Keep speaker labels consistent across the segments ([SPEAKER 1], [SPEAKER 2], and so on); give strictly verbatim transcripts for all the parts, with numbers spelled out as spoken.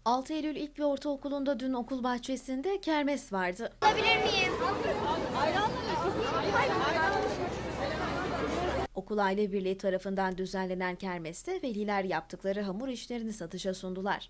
[SPEAKER 1] altı Eylül İlk ve Ortaokulu'nda dün okul bahçesinde kermes vardı.
[SPEAKER 2] Alabilir miyim?
[SPEAKER 1] Okul Aile Birliği tarafından düzenlenen kermeste veliler yaptıkları hamur işlerini satışa sundular.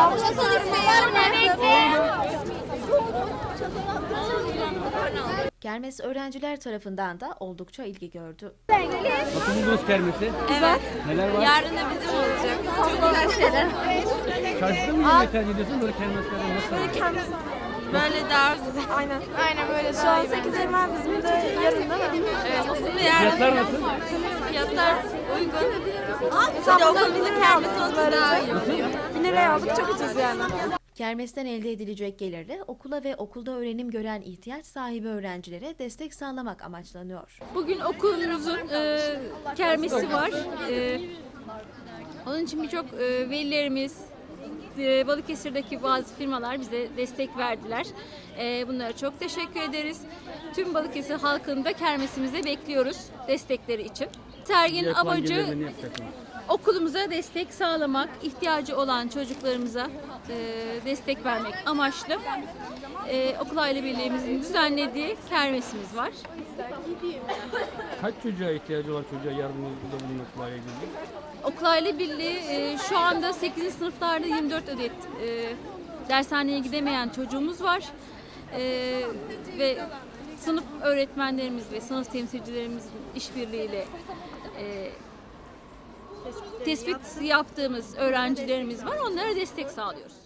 [SPEAKER 1] Kermes öğrenciler tarafından da oldukça ilgi gördü.
[SPEAKER 3] Nasıl buldunuz kermesi?
[SPEAKER 4] Güzel.
[SPEAKER 3] Neler var?
[SPEAKER 4] Yarın da bizim olacak. Güzel şeyler.
[SPEAKER 3] Çarşıda mı yemeği tercih ediyorsun? Böyle kermeslerde nasıl?
[SPEAKER 4] Böyle kendisi. Böyle daha güzel. Aynen. Aynen böyle. Şu an sekiz Eylül bizim de yarın değil mi? Evet. Aslında yarın.
[SPEAKER 3] Fiyatlar nasıl?
[SPEAKER 4] Fiyatlar uygun. Mesela okulumuzun kermesi olsa daha iyi oluyor. bin liraya aldık, çok ucuz yani.
[SPEAKER 1] Kermesten elde edilecek gelirle okula ve okulda öğrenim gören ihtiyaç sahibi öğrencilere destek sağlamak amaçlanıyor.
[SPEAKER 5] Bugün okulumuzun e, kermesi var. E, onun için birçok e, velilerimiz, e, Balıkesir'deki bazı firmalar bize destek verdiler. E, bunlara çok teşekkür ederiz. Tüm Balıkesir halkını da kermesimizde bekliyoruz destekleri için. Serginin
[SPEAKER 3] Yapılan
[SPEAKER 5] amacı
[SPEAKER 3] gelirlerini yapacaksınız.
[SPEAKER 5] okulumuza destek sağlamak, ihtiyacı olan çocuklarımıza e, destek vermek amaçlı e, Okul Aile Birliğimizin düzenlediği kermesimiz var.
[SPEAKER 3] Kaç çocuğa ihtiyacı olan çocuğa yardımda bulunmakla ilgili?
[SPEAKER 5] Okul Aile Birliği e, şu anda sekizinci sınıflarda yirmi dört adet e, dershaneye gidemeyen çocuğumuz var. E, ve sınıf öğretmenlerimiz ve sınıf temsilcilerimizin işbirliğiyle e, tespit yaptığımız öğrencilerimiz var. Onlara destek sağlıyoruz.